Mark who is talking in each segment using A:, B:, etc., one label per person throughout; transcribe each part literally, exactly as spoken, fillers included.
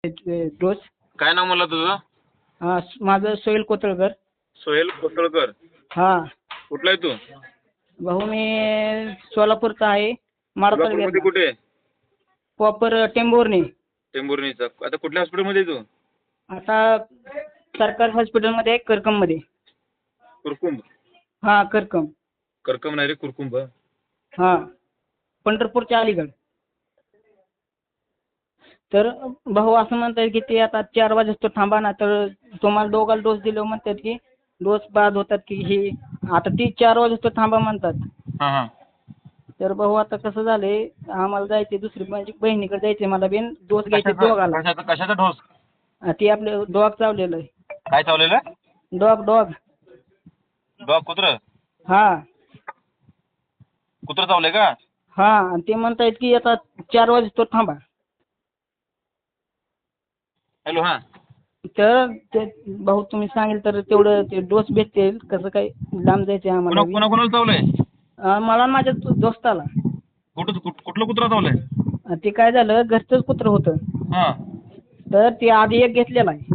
A: Dose.
B: काय नाव म्हणलं तुझं?
A: हा, माझं सोहेल कोतळकर.
B: सोहेल कोतळकर.
A: हा
B: कुठला आहे तू?
A: भाऊ मी सोलापूरचा आहे. माडा
B: सोलापूरमध्ये
A: तालुक्यातला.
B: कुठे?
A: प्रॉपर टेंभुर्णी.
B: टेंभुर्णीचा. आता कुठल्या हॉस्पिटलमध्ये आहे तू?
A: आता सरकारी हॉस्पिटलमध्ये आहे, करकममध्ये.
B: कुरकुंभ.
A: हा, करकम.
B: करकम नाही रे, कुरकुंभ.
A: हा, पंढरपूरच्या अलीगड. तर भाऊ असं म्हणतात की ते आता चार वाजेस्तो थांबा ना, तर तुम्हाला दोघाला डोस दिले म्हणतात की डोस बाद होतात की हे. आता ती चार वाजेस्तो थांबा म्हणतात.
B: हा हा.
A: तर भाऊ आता कसं झालंय, आम्हाला जायचे दुसरी माझी बहिणीकडे जायचे, मला बिन डोस घ्यायचे
B: कशाचा
A: दोघाला.
B: कशाचा कशाचा डोस?
A: ती आपले डॉग चावलेलं आहे.
B: काय चावलेलं?
A: Dog dog.
B: डॉग कुत्र?
A: हा
B: कुत्र चावले का?
A: हा, आणि ते म्हणतायत की आता चार वाजेस्तो थांबा.
B: हॅलो. हा.
A: तर ते भाऊ तुम्ही सांगेल तर तेवढं ते डोस भेटतील कसं काय, लांब जायचे आम्हाला बी.
B: कोणा कोणाला चावलंय?
A: अं, मला आणि माझ्या दो- दोस्ताला.
B: कुठं कुठ- कुठलं कुत्र चावलंय?
A: अं, ते काय झालं, घरचंच कुत्रं होतं.
B: हा
A: तर ते आधी एक घेतलेला आहे.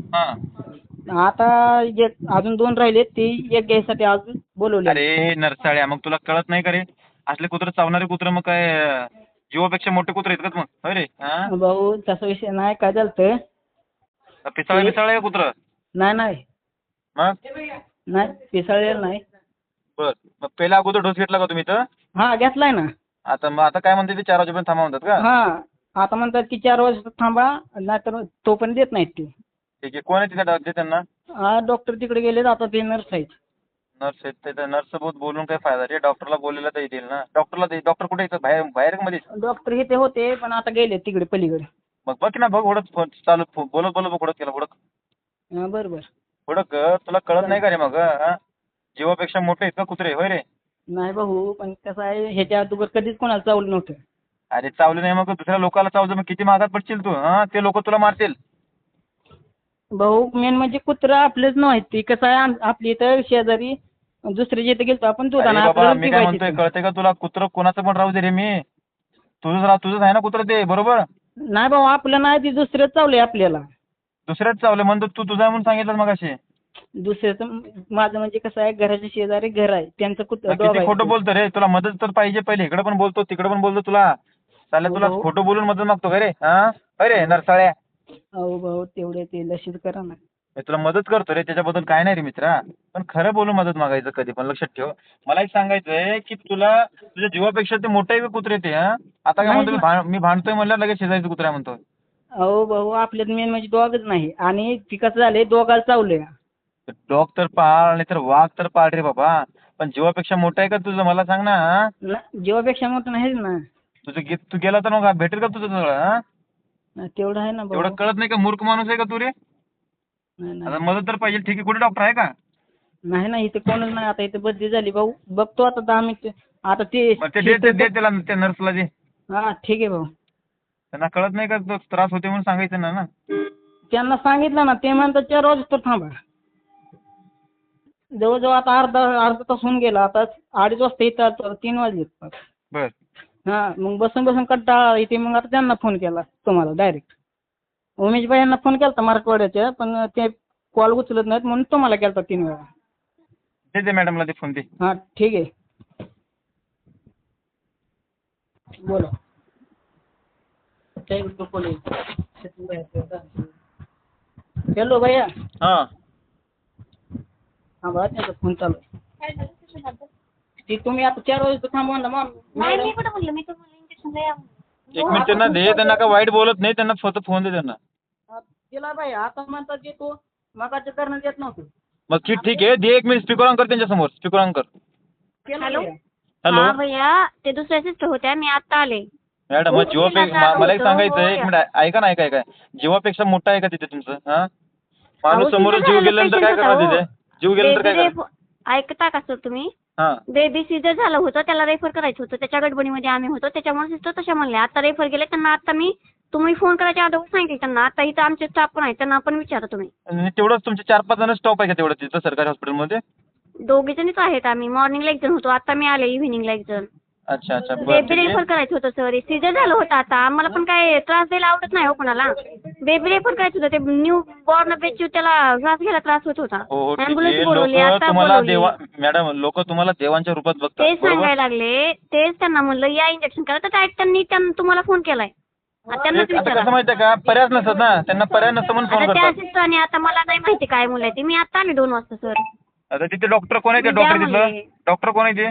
B: हा.
A: आता एक अजून दोन राहिले, ते एक घ्यायसाठी आज बोलवले.
B: अरे नरसाळ्या, मग तुला कळत नाही का रे? असले कुत्र चावणारे कुत्र मग काय अं, जीवापेक्षा मोठे कुत्र आहेत का मग? होय रे. हा.
A: भाऊ तसा विषय नाही, काय झालं तर
B: पिसाळ पिसाळ आहे कुत्र?
A: नाही नाही
B: मग
A: नाही पिसाळलेलं नाही.
B: बर, मग पहिला अगोदर डोस घेतला का तुम्ही तर?
A: हा, घेतलाय ना.
B: आता मग आता काय म्हणते ते चार वाजेपर्यंत थांबा म्हणतात का?
A: हा, आता म्हणतात की चार वाजता थांबा, नाहीतर तोपर्यंत देत नाहीत ते.
B: ठीक आहे. कोण आहे तिथे डॉक्टर त्यांना?
A: हा, डॉक्टर तिकडे गेले, आता ते नर्स आहेत.
B: नर्स आहेत ते नर्स सोबत बोलून काय फायदा रे? डॉक्टरला बोललेला तर येतील ना. डॉक्टरला दे. डॉक्टर कुठे येतात? बाहेर बाहेर मध्ये?
A: डॉक्टर इथे होते पण आता गेले तिकडे पलीकडे.
B: मग बघ ना, बघ उडत फोन चालू फो- बोलत बोलत बघ उडत केला उडक
A: हा, बरं बरं.
B: उडक. तुला कळत नाही का रे मग? हा? जीवापेक्षा मोठे आहेत का कुत्रे? होय रे.
A: नाही भाऊ, पण कसं आहे, ह्याच्या अगोदर कधीच कोणाला चावलं नव्हतं.
B: अरे चावले नाही मग दुसऱ्या लोकांना चावलं, मग किती महागात पडशील तू? हा, ते लोक तुला मारतील.
A: भाऊ मेन म्हणजे कुत्रा आपलेच नाही, ती कसं आहे, आम- आपली इथं शेजारी दुसरे जिथे गेलतो आपण
B: अरे
A: दुधाना
B: बाबा,
A: आपल्याला
B: मी काय म्हणतोय
A: पिवायची.
B: कळतंय का तुला? कुत्र कोणाचं पण राहू दे रे. मी तुझंच राह तुझंच आहे ना कुत्र ते, बरोबर?
A: नाही भाऊ, आपलं नाही, ती दुसरेच चावले आपल्याला.
B: दुसऱ्याच चावले म्हणतो तू तुझा म्हणून सांगितलं मग असे.
A: दुसऱ्याचं माझं म्हणजे कसं आहे, घराच्या शेजारी घर आहे, त्यांचं कुत्र डॉग
B: किती
A: आहे.
B: खोटं बोलतो रे. तुला मदत तर पाहिजे पहिले. इकडे पण बोलतो तिकडे पण बोलतो तुला. चालेल,
A: हो
B: तुला
A: भाऊ.
B: खोटं बोलून मदत मागतो का रे? हा, अरे नरसाळ्या.
A: अहो भाऊ, तेवढे ते लशीच करा ना.
B: मी तुला मदत करतो रे, त्याच्याबद्दल काय नाही रे मित्रा. पण खरं बोलून मदत मागायचं कधी पण, लक्षात ठेव. मला एक सांगायचंय की तुला तुझ्या जीवापेक्षा ते मोठे आहे का कुत्रे ते? हा, आता काय
A: नाही
B: म्हणतो मी
A: ना.
B: भां- मी भांडतोय म्हणल्यावर लगेच शेजायचं कुत्रा म्हणतो.
A: अहो भाऊ, आपल्यात मेन म्हणजे डॉगच नाही, आणि ती कसं झाले, डॉगाला चावले.
B: डॉग तर पाळ नाही तर वाघ तर पाळ रे बाबा, पण जीवापेक्षा मोठा आहे का तुझं? मला सांग ना. हा?
A: ना- जीवापेक्षा मोठं नाहीच ना.
B: तुझं गे- तू गेला तर मग भेटेल का तुझं सगळं? हा,
A: ना, तेवढं आहे ना
B: एवढं
A: भाऊ.
B: कळत नाही का? मूर्ख माणूस आहे का तू रे?
A: नाही
B: आता
A: नाही
B: मदत तर पाहिजे. ठीक आहे, कुठे डॉक्टर आहे का?
A: नाही नाही, इथे कोणच नाही. आता इथे बदली झाली भाऊ, बघतो आता दहा मिनिट. आता ते
B: मग ते दे ते दे त्याला, त्या नर्सला दे.
A: हा ठीक आहे भाऊ.
B: त्यांना कळत नाही का तो त्रास होते म्हणून सांगायचं ना ना.
A: त्यांना सांगितलं ना, ते म्हणतात चार वाजता थांबा. जवळजवळ आता अर्धा अर्धा तास होऊन गेला. आता अडीच वाजता येतात, तीन वाजले.
B: बर.
A: हा, मग बसून बसून कंटाळा येते. मग आता त्यांना फोन केला तुम्हाला डायरेक्ट. उमेश भाई यांना फोन केला मराठवाड्याच्या, पण ते कॉल उचलत नाहीत म्हणून तुम्हाला केला तीन वेळा.
B: दे दे मॅडमला ते फोन दे.
A: हा ठीक आहे, बोला. हॅलो भैया.
B: हा.
A: हा बघा, त्यांचा फोन चालू आहे. ती तुम्ही आता चार वाजता थांबवा ना मग.
C: नाही मी कुठं बोललो, मी तर बोललो इंजेक्शन द्या.
B: एक मिनिट त्यांना दे. त्यांना का वाईट बोलत नाही, त्यांना फक्त फोन दे त्यांना.
A: तिला बाई आता म्हणतात की तू मगाच्या करणं देत नव्हतं.
B: मग ठीक ठीक आहे, दे. एक मिनिट स्पीकर ऑन कर त्यांच्यासमोर. स्पीकर ऑन कर.
A: केलं
C: हॅलो.
A: भैया.
B: हॅलो.
C: हा भैया, ते दुसऱ्या सिस्टर होत्या, मी आता आले.
B: मॅडम, मग जीवापेक्षा मला एक सांगायचं आहे, एक मिनिट ऐका ना. ऐका ऐका जीवापेक्षा मोठा आहे का तिथे तुमचं? हा, माणूस समोर जीव गेल्यानंतर काय करणार तिथे? जीव गेल्यानंतर काय
C: बेबी
B: करणार?
C: रेफ ऐकता का सर तुम्ही?
B: हा.
C: बेबी सीजर झालं होतं, त्याला रेफर करायचं होतं, त्याच्या गडबडीमध्ये आम्ही होतो, त्याच्यामुळे सिस्टर तशा म्हणल्या. आता रेफर गेले त्यांना. आता मी तुम्ही फोन करायच्या अगोदर सांगितलं त्यांना. आता इथं आमचे स्टाफ पण आहे, त्यांना पण विचारा तुम्ही.
B: आणि तेवढंच तुमचे चार पाच जण स्टॉप आहे का तेवढं तिथं सरकारी हॉस्पिटलमध्ये?
C: दोघी जणीच आहेत आम्ही. मॉर्निंगला एक जण होतो, आता मी आले इव्हिनिंगला एक जण.
B: अच्छा अच्छा बरं
C: बेबी
B: ठीक
C: रेफर
B: आहे.
C: करायचं होतं सर सीझर झालं होतं आता आम्हाला पण काय त्रास द्यायला आवडत नाही हो कोणाला बेबी रेफर करायचं होतं ते न्यू बॉर्न बेबी त्याला श्वास घ्यायला त्रास होत होता
B: हो हो ठीक
C: ॲम्ब्युलन्स
B: आहे.
C: बोलवली
B: लोक
C: आता
B: तुम्हाला
C: बोलवली
B: देवा मॅडम लोक तुम्हाला देवांच्या रूपात बघतात
C: तेच
B: बरोबर.
C: सांगायला लागले तेच त्यांना म्हणलं या इंजेक्शन करा तर डायरेक्ट त्यांनी त्यांना तुम्हाला फोन केलाय आता त्यांनाच
B: ते- आता
C: विचारा
B: कसं माहितीये का पर्याय नसतात ना त्यांना पर्याय नसतं म्हणून फोन
C: आता त्या
B: करतात.
C: सिस्टरने आता मला नाही माहिती काय मुलं आहे ती मी आता आले दोन वाजता सर
B: आता तिथे डॉक्टर कोण आहे ते
C: मी द्या
B: डॉक्टर तिथलं
C: म्हणले.
B: डॉक्टर कोण आहे ते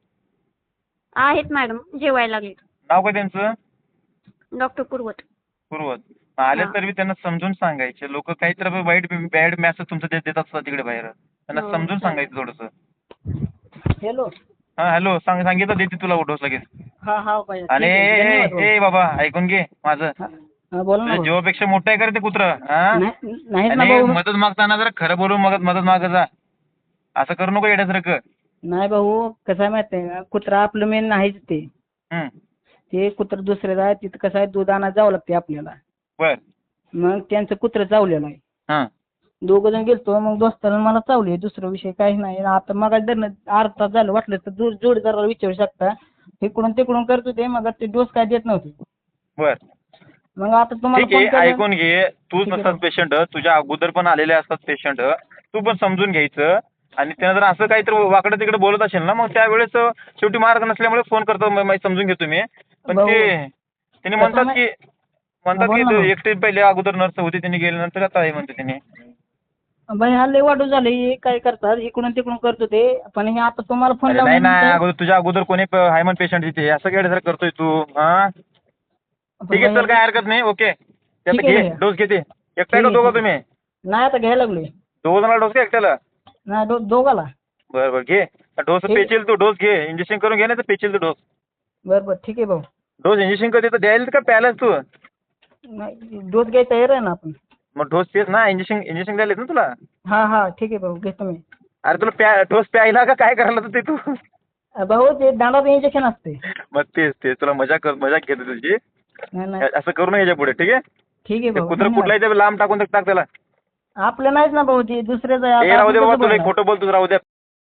C: आहेत मॅडम जेवायला लागले
B: नाव काय त्यांचं
C: डॉक्टर कुरवत
B: पूर्वज आले
C: हा.
B: तर मी त्यांना समजून सांगायचे लोक काहीतरी वाईट बॅड मेसेज तुमचं देत देत असतात तिकडे बाहेर त्यांना
C: हो,
B: समजून
C: चालेल.
B: सांगायचं थोडंसं.
A: हॅलो
B: हा हॅलो सांग सांगितलं देते तुला डोस लगेच.
A: हा हा पाहिजे
B: आणि
A: ठीक आहे,
B: ए-
A: धन्यवाद
B: ए-
A: भाऊ.
B: ए बाबा ऐकून घे माझं
A: हा, हा, बोला ना
B: तुझ्या
A: भाऊ.
B: जीवापेक्षा मोठं आहे का रे ते कुत्रं हा
A: नाही नाहीच ना
B: आणि
A: भाऊ
B: मदत मागताना जरा खरं बोलून मदत मदत मागत जा असं करू नको येण्यासारखं.
A: नाही भाऊ कसं आहे माहिती आहे का कुत्रा आपलं मेन नाहीच ते
B: हम्म
A: ते कुत्र दुसऱ्याचं आहे तिथं कसं आहे दूध आणायला जावं लागते आपल्याला
B: बर
A: मग त्यांचं कुत्रं चावलेलं आहे
B: हा
A: दोघं जण गेलतो मग दोस्तानं मला चावले दुसरा विषय काही नाही आता मग धरणं अर्धा तास झालं वाटलं तर जोड जोडीदाराला विचारू शकता इकडून तिकडून करत होते मग ते डोस काय देत नव्हते
B: बर
A: मग आता तुम्हाला
B: ठीक आहे
A: फोन केला
B: ऐकून घे तूच
A: ठीक आहे
B: नसतात
A: भाऊ.
B: पेशंट तुझ्या अगोदर पण आलेले असतात पेशंट तू पण समजून घ्यायचं आणि त्यानं जर असं काहीतरी वाकडं तिकडे बोलत असेल ना मग त्यावेळेस शेवटी मार्ग नसल्यामुळे फोन करतो म- म- समजून घेतो मी पण
A: भाऊ,
B: ते त्यांनी
A: कसं
B: म्हणतात
A: मा-
B: की म्हणतात
A: बोल
B: की
A: ना
B: ते
A: भाऊ.
B: एकटे पहिले अगोदर नर्स होती त्यांनी गेल्यानंतर आता आहे म्हणते त्यांनी.
A: बाई हा लय वाढू झाले हे काय करतात इकडून तिकडून करतो ते पण हे आता तुम्हाला फोन
B: अरे नाही ना
A: लावल्यानंतर
B: अगोदर तुझ्या अगोदर कोणी आहे म्हण पेशंट तिथे असं काय सर करतोय तू हा ठीक आहे
A: बाई,
B: चल काय हरकत नाही ओके त्यात
A: ठीक आहे
B: घे
A: भैया.
B: डोस घेते एकटा
A: ठीक
B: का
A: आहे,
B: दोघं
A: ठीक
B: तुम्ही
A: नाही आता घ्यायला लागलोय
B: दोघं जणांना डोस का एकट्याला
A: नाही दो दोघाला
B: बरं बरं घे डोस
A: ठीक.
B: पेचील तू डोस घे इंजेक्शन करून घे ना तर पेचील तू डोस
A: बरं बरं ठीक आहे भाऊ
B: डोस इंजेक्शन कधी तर द्यायला का प्यायलाच तू
A: नाही डोस घ्यायचा तयार आहे ना आपण
B: मग डोस तेच ना इंजेक्शन इंजेक्शन द्यायला ना तुला
A: हा हा ठीक आहे भाऊ घेतो मी
B: अरे तुला प्या डोस प्यायला का काय करायला तर ते तू
A: अ, भाऊ ते दांडाचं इंजेक्शन असते
B: मग तेच तेच तुला मजा कर मजा घेते तुझी
A: नाही नाही
B: असं करू नये याच्या पुढे ठीक आहे
A: ठीक आहे
B: ते
A: भाऊ
B: कुत्र
A: धन्यवाद.
B: कुठलाही ते लांब टाकून टाक त्याला
A: आपलं नाहीच ना भाऊ ते दुसऱ्याचं आहे.
B: ए
A: आता
B: राहू
A: आपण
B: दे बाबा
A: कसं
B: तुला एक
A: बोलणार?
B: खोटं बोलतोस राहू दे